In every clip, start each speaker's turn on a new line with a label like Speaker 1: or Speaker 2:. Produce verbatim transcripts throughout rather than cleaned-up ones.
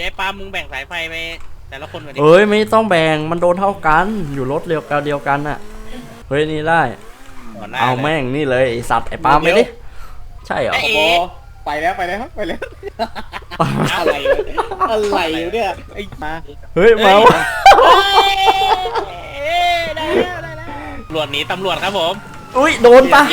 Speaker 1: ดี๋ยวปามึงแบ่งสายไฟไปแต่ละคนก่อนดิ
Speaker 2: เอ้ยไม่ต้องแบ่งมันโดนเท่ากันอยู่รถเดียวกันเดียวกันน่ะเฮ้ยนี่ได้เอาแม่งนี่เลยไอสัตว์ไอปาล์มไปดิใช่เหรอ
Speaker 3: ไปแล้วไปแล้วไปแล้วอะไรอะไรเนี่ยไอ้มา
Speaker 2: เฮ้ยมา
Speaker 1: ได้แล้วได้แล้วตำรวจหนีตำรวจครับผม
Speaker 2: อุ้ยโดนปะ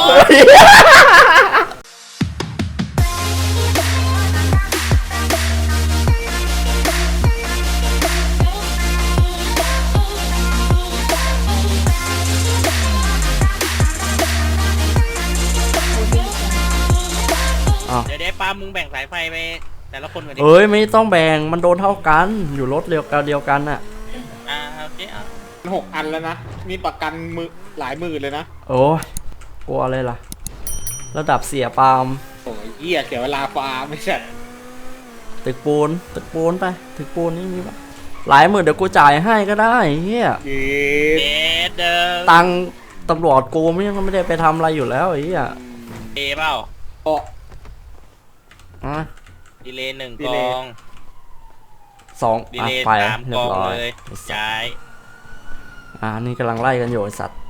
Speaker 1: เดี๋ยวเดี๋ยวปามึงแบ่งสายไฟไปแต่ละคนก่อนดิ
Speaker 2: เอ้ยไม่ต้องแบ่งมันโดนเท่ากันอยู่รถเดียวกันเดียวกันน่ะ
Speaker 1: อ่าโอเคอ่ะ
Speaker 3: หกอันแล้วนะมีประกันมือหลายหมื่นเลยนะ
Speaker 2: โอ้ยกลัวอะไรล่ะระดับเสียปาล์ม
Speaker 3: โอ้ยเหี้ยเสียเวลาฟาร์มไม่ใช่
Speaker 2: ตึกปูนตึกปูนไปตึกปูนนี่มีปะหลายหมื่นเดี๋ยวกูจ่ายให้ก็ได้เฮีย
Speaker 1: เด็ดเดิม
Speaker 2: ตังตำรวจกูไม่ยังไม่ได้ไปทำอะไรอยู่แล้วไอ้เหี้ย
Speaker 1: เอเปล่า
Speaker 3: โอ้
Speaker 2: อ่ะ
Speaker 1: ดีเลย์หนึ่งกอง
Speaker 2: สอง
Speaker 1: ดีเลย์สามกองเลยย้าย
Speaker 2: อ่านี่กำลังไล่กันอยู่ไอสัตว์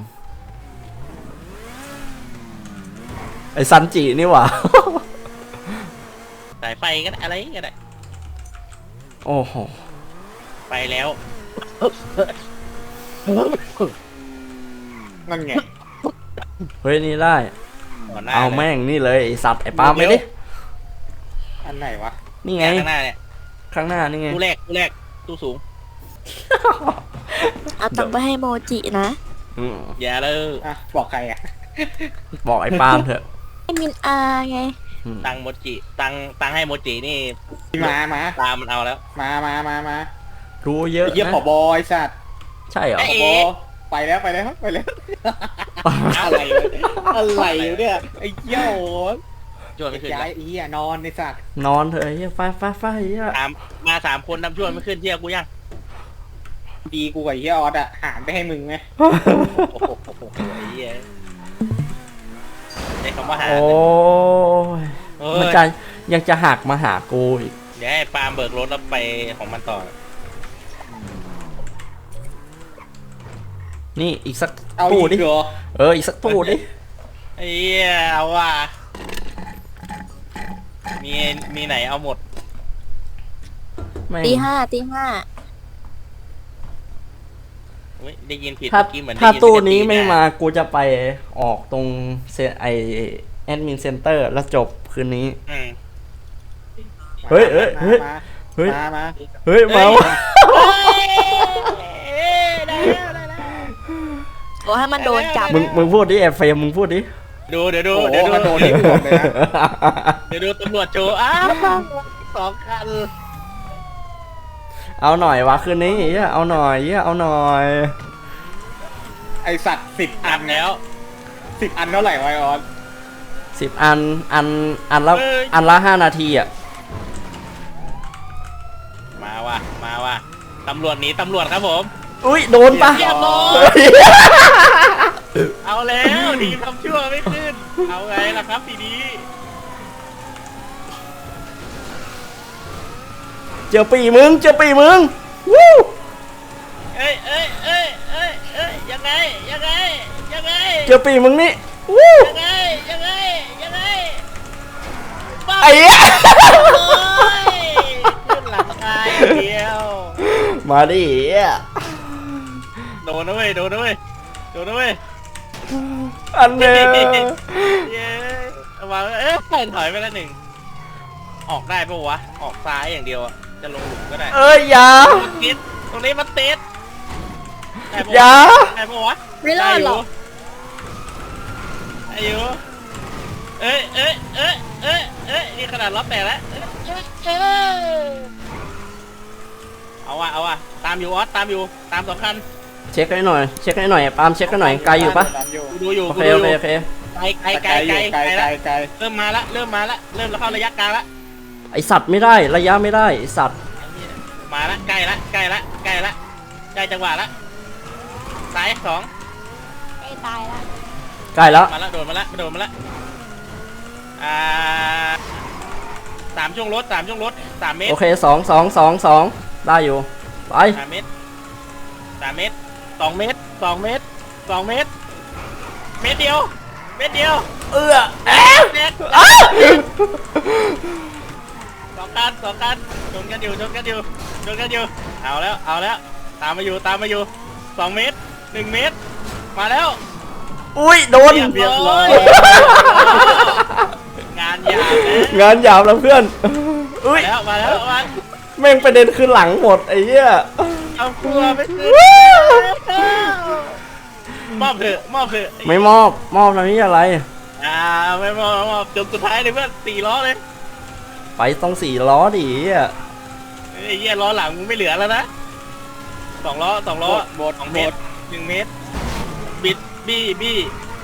Speaker 2: ไอซันจินี่หว่า
Speaker 1: สายไฟก็ได้อะไรก็ได้
Speaker 2: โอ้โห
Speaker 1: ไปแล้ว
Speaker 3: นั่นไง
Speaker 2: เฮ้ยนี่ได้เอาแม่งนี่เลยไอสัตว์ไอปาล์มไปดิ
Speaker 3: อันไหนวะ
Speaker 2: นี่ไง
Speaker 1: ข้างหน้าเนี่ย
Speaker 2: ข้างหน้านี่ไง
Speaker 1: ตู้แรกตู้แรกตู้สูง
Speaker 4: เอาตังไปให้โมจินะ
Speaker 1: อย่าเลย
Speaker 3: อ่ะบอกใครอ่ะ
Speaker 2: บอกไอ้ปาล์มเถอะ
Speaker 4: ให้มินอาไง
Speaker 1: ตังโมจิตังตังให้โมจินี่
Speaker 3: มามา
Speaker 1: ตามมันเอาแล้ว
Speaker 3: มามามามา
Speaker 2: รู้เยอะ
Speaker 3: เยี่ยมผบอยสัตว์
Speaker 2: ใช่เหรอ
Speaker 3: ผบไปแล้วไปแล้วไปแล้วอะไรอะไรเนี่ยไอ้เหี้ย
Speaker 1: ชวนไม่ขึ้น
Speaker 3: ย้ายไอ้เหี้ยนอนในสัตว์
Speaker 2: นอนเถอะเฮียไฟไฟไฟเฮีย
Speaker 1: ตามมาสามคนนำชวนไม่ขึ้นเที่ยวกูยัง
Speaker 3: ดีกูกับเฮียออสอะหารไปให้มึงไง
Speaker 1: โอ้โหไอ้เหี้ยได้คำว่าหาร
Speaker 2: โอ้ยมันจะยังจะหักมาหากูอีก
Speaker 1: เดี๋ยวให้ปาล์มเบิกรถแล้วไปของมันต่อ
Speaker 2: นี่อีกสักตู้ดิเอออีกสักตู้ดิ
Speaker 1: ไอ้เหี้ยเอาว่ะมีมีไหนเอาหมด
Speaker 4: ตีห้าตีห้า
Speaker 1: ได้ยินผิด
Speaker 2: ถ้า
Speaker 1: เมื่อกี้เหมือน
Speaker 2: ถ้าตู้นี้ไม่มากูจะไปออกตรงเซไอแอดมินเซ็นเตอร์แล้วจบคืนนี้เฮ้ยเฮ้ยเฮ้ยเฮ้ย
Speaker 3: มา
Speaker 2: เฮ้ยมา
Speaker 1: ได้แล้วได้แล้ว
Speaker 4: บอกให้มันโดนจับ
Speaker 2: มึงมึงพูดดิแอบเฟรมมึงพูดดิ
Speaker 1: ดูเดี๋ยวดูเดี๋ยวดู
Speaker 3: โดนที่หัวเลยนะ
Speaker 1: เดี๋ยวดูตำรวจโจอ้าวสองคัน
Speaker 2: เอาหน่อยวะคืนนี้เอาหน่อยเอาหน่อย
Speaker 3: ไอสัตว์สิบอัน
Speaker 1: แล้ว
Speaker 3: สิบอันเท่าไหร่ไวออน
Speaker 2: สิบอันอันอันละอันละห้านาทีอ่ะ
Speaker 1: มาว่ะมาว่ะตำรวจหนีตำรวจครับผม
Speaker 2: อุ้ยโดนปะ
Speaker 1: เอาแล้วดีทำชั่วไม่ขึ้นเอาไงล่ะครับทีนี้
Speaker 2: เจอปีมึงเจอปีมึงวู้
Speaker 1: เอ้ยเอ้ยเอ้ยเอ้ยเอ้ยยังไงยังไงยังไง
Speaker 2: เจอปีมึงนี่วู้
Speaker 1: ยังไงยังไงยังไง
Speaker 2: ไอ้เหี้ย
Speaker 1: ขึ้นหลังกายเดียว
Speaker 2: มาดิ
Speaker 1: โดนนะเว้ยโดนนะเว้ยโดนนะเว้ย
Speaker 2: อันเนี้ย
Speaker 1: เย้มาเอ๊ะถอยไปแล้วหนึ่งออกได้ปะวะออกซ้ายอย่างเดียวจะลงหลุมก็ได้
Speaker 2: เอ้ยอย่า
Speaker 1: ติดตรงนี้มันติด
Speaker 2: อย่า
Speaker 1: ได้ปะวะ
Speaker 4: ไม่รอดหรอก
Speaker 1: อายุเอ้ยเอ้ยเอ้ยเอ้ยเอ้ยนี่ขนาดล้อแตกแล้วเอาว่ะเอาว่ะตามอยู่ออสตามอยู่ตามสองคัน
Speaker 2: เช็คให้หน่อยเช็คให้หน่อยปาล์มเช็คให้หน่อยไกลอยู่ปะ
Speaker 1: ดูอยู่
Speaker 2: โอเคโอเคโอเค
Speaker 1: ไกลไกลไกลไกลไกลไกลเริ่มมาละเริ่มมาละเริ่มเข้าระยะกลางละ
Speaker 2: ไอสัตว์ไม่ได้ระยะไม่ได้ไอสัตว์
Speaker 1: มาละใกล้ละใกล้ละใกล้ละใกล้จังหวะละซ้ายสอง
Speaker 4: ใกล้ตายละ
Speaker 2: ใกล้แล้ว
Speaker 1: มาละโดนมาละโดนมาละอ่าสามช่วงรถสามช่วงรถสามเมตร
Speaker 2: โอเคสองสองสองสองได้อยู่ไป
Speaker 1: สามเมตรสามเมตรสองเมตรสองเมตรสองเมตรเมตรเดียวเมตรเดียว
Speaker 2: เอื้อแอะ
Speaker 1: เมตร
Speaker 2: อ้า
Speaker 1: สองกันสองกันชนกันอยู่ชนกันอยู่ชนกันอยู่เอาแล้วเอาแล้วตามมาอยู่ตามมาอยู่สองเมตรหนึ่งเมตรมาแล้ว
Speaker 2: อุ้ยโดน
Speaker 1: เรียบร้อยงานยาวนะ
Speaker 2: งานหยาบแล้วเพื่อนอุ้
Speaker 1: มาย แล้วมาแล้วมา
Speaker 2: แม่งประเด็นคือหลังหมดไอ้เหี้ย
Speaker 1: เอาครัวไปซื้อมอบเถอะมอบเถอะ
Speaker 2: ไม่มอบมอบนะนี่อะไร
Speaker 1: อ่าไม่มอบไม่มอบจนสุดท้ายเลยเพื่อนสี่ล้อเลย
Speaker 2: ไปต้องสี่ล้อดิอ่ะ
Speaker 1: ไอ้เหี้ยล้อหลังมึงไม่เหลือแล้วนะสองล้อสองล้อ
Speaker 3: หมด
Speaker 1: สอง
Speaker 3: ห
Speaker 1: เม
Speaker 3: ม
Speaker 1: ต
Speaker 3: ด
Speaker 1: รหนึ่งเมตรบิดบี้บี้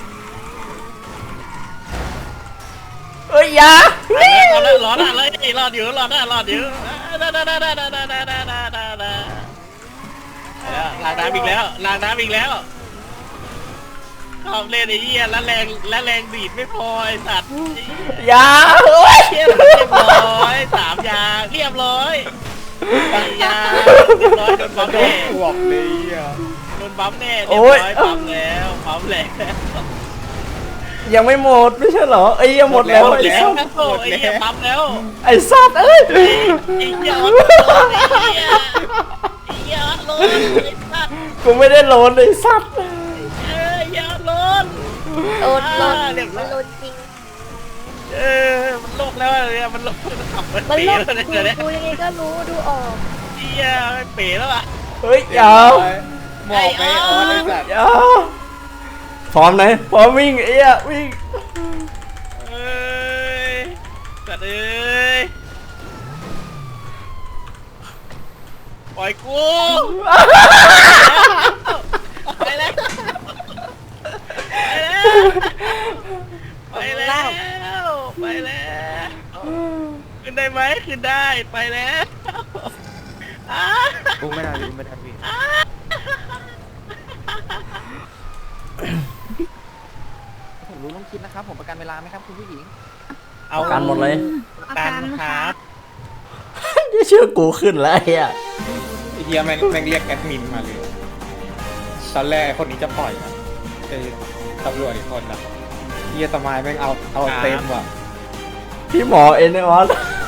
Speaker 2: เอ้ยอยา
Speaker 1: เอาแล้วล้อหน้าเลยรอดอยู่รอดหน้ารอดอยู่ได้ได้ได้ได้ได้ได้ได้ได้ได้ได้ล้างน้ำอีกแล้วล้างน้ำอีกแล้วชอบเล่นไอ้เหี้ยแล้วแรงแล้วแรงดีดไม่พอไอ้สัตว์
Speaker 2: อยาเอ้ย
Speaker 1: เรียบร้อยสามยางเรียบร้อยสี่ยางเรียบร้อยโดนปั๊มแน่
Speaker 3: ขวบเลยอ่ะ
Speaker 1: โดนปั๊มแน่เรียบร้อยปั๊มแล้วปั๊มแล้ว
Speaker 2: ยังไม่หมดไม่ใช่เหรอไอ้ยยังหมดแล้ว
Speaker 1: หมด
Speaker 2: ไอ้
Speaker 1: แล้
Speaker 2: สั
Speaker 1: ว
Speaker 2: ตว์
Speaker 1: โอ้ยไอ้เหี้ยปั๊มแล้ว
Speaker 2: ไอ้สัตว์เอ้ย
Speaker 1: ไอ้เหี้ยรถไอ้เหี้ยไอ้เหี้ยรถไอ้สัตว์
Speaker 2: กูไม่ได้โหลนไอ้สัตว์
Speaker 1: เอ้ยอย่าลน
Speaker 4: โดนโดน
Speaker 1: อ่าเรียบร้
Speaker 4: มั
Speaker 1: อน ย
Speaker 4: โดนจริง
Speaker 1: เออมันโลกแล้วเนี่ยมันโลกมันขับมัน
Speaker 4: มัน
Speaker 1: เป๋
Speaker 4: โล
Speaker 1: แล้ว
Speaker 4: ก
Speaker 1: เนี่ย
Speaker 4: ดู
Speaker 1: เดี๋ยวเนี่ย
Speaker 4: ดูยังไงก็รู้ดูออก
Speaker 1: เหี้ยมันเป๋แล้วอ่ะ
Speaker 2: เฮ้ยอยา
Speaker 3: หมอกไปออนไอ้สัตว์
Speaker 2: อยาพร้อมไหนพร้อมวิ่งไอ้เหี้ยวิ่ง
Speaker 1: เอ้ยสัตว์เอ้ยปล่อยกูไปแล้วไปแล้วไปแล้วขึ้นได้ไหมขึ้นได้ไปแล้วอ้า
Speaker 3: กูไม่ได้กูไม่ได้พี่ผมรู้ต้องคิดนะครับผมประกันเวลาไหมครับคุณผู้หญิง
Speaker 2: เอาการหมดเลย
Speaker 1: กันครับ
Speaker 2: นี่ชื่อกูขึ้นแล้วไอ้เหี้ย
Speaker 3: ไอ้เฮียแม่งแม่งเรียกแอดมินมาเลยตอนแรกไอ้คนนี้จะปล่อยนะไอ้ตำรวจอีกคนนะเฮียสมายแม่งเอาเอาเต็มว่ะ
Speaker 2: พี่หมอเอ็นไอออน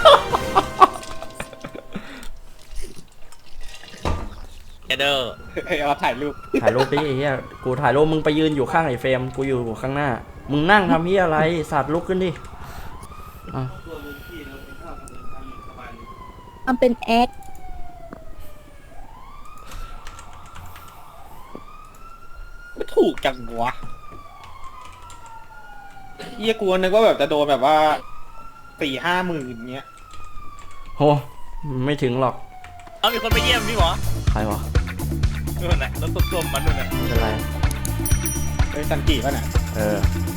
Speaker 1: เด้อ
Speaker 3: ไอ้เอาถ่ายรูป
Speaker 2: ถ่ายรูปดิไอ้เหี้ยกูถ่ายรูปมึงไปยืนอยู่ข้างไอ้เฟรมกูอยู่ข้างหน้ามึงนั่งทำเหี้ยอะไรสัตว์ลุกขึ้นดิอ่ะ
Speaker 4: มันเป็นแอค
Speaker 3: ไม่ถูกจังวะเฮียกลัวนึกว่าแบบจะโดนแบบว่าสี่ห้าหมื่นเงี้ย
Speaker 2: โหไม่ถึงหรอก
Speaker 1: เอามีคนไปเยี่ยมพี่หมอ
Speaker 2: ใครวะ
Speaker 1: นู่นน่ะรถส้มๆมันนู่นน่ะ
Speaker 2: ไม่เป็นไร
Speaker 3: เฮ้ยสันติป่ะน่ะ
Speaker 2: เออ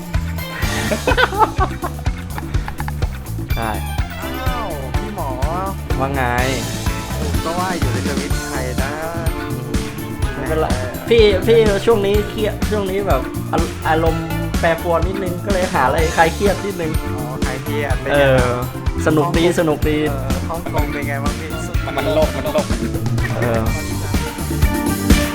Speaker 2: ได้
Speaker 5: อ้าวพี่หมอ
Speaker 2: ว่าไง
Speaker 5: ผมก็ว่าอยู่ในทวิตใครนะ
Speaker 2: ไม่เป็นไรพี่พี่ช่วงนี้เครียดช่วงนี้แบบอาอารมณ์แปรปรวนนิดนึงก็เลยหาอะไรคลายเครียดนิดนึง
Speaker 5: อ๋อใครเครียดเป็น
Speaker 2: เอ
Speaker 5: ไง
Speaker 2: อ
Speaker 5: บ้าง
Speaker 2: สนุกดีสนุกดี
Speaker 5: เออฮ่องกงเป็นไงบ้างพี่
Speaker 3: มันมันโลกมันโลก
Speaker 2: เออ